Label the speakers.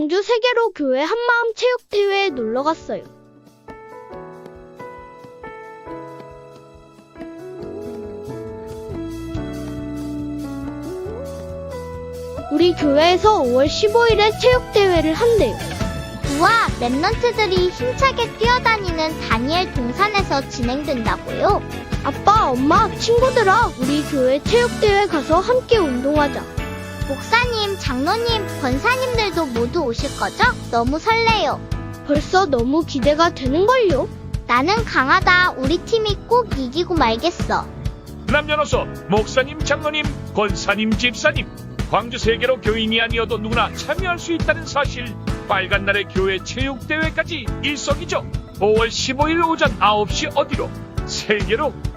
Speaker 1: 광주 세계로 교회 한마음 체육대회에 놀러 갔어요. 우리 교회에서 5월 15일에 체육대회를 한대요.
Speaker 2: 우와, 랩런트들이 힘차게 뛰어다니는 다니엘 동산에서 진행된다고요?
Speaker 1: 아빠, 엄마, 친구들아, 우리 교회 체육대회 가서 함께 운동하자.
Speaker 2: 목사님, 장로님, 권사님들도 모두 오실 거죠? 너무 설레요.
Speaker 1: 벌써 너무 기대가 되는걸요.
Speaker 2: 나는 강하다. 우리 팀이 꼭 이기고 말겠어.
Speaker 3: 남녀노소, 목사님, 장로님, 권사님, 집사님, 광주 세계로 교인이 아니어도 누구나 참여할 수 있다는 사실. 빨간 날의 교회 체육대회까지 일석이조. 5월 15일 오전 9시 어디로? 세계로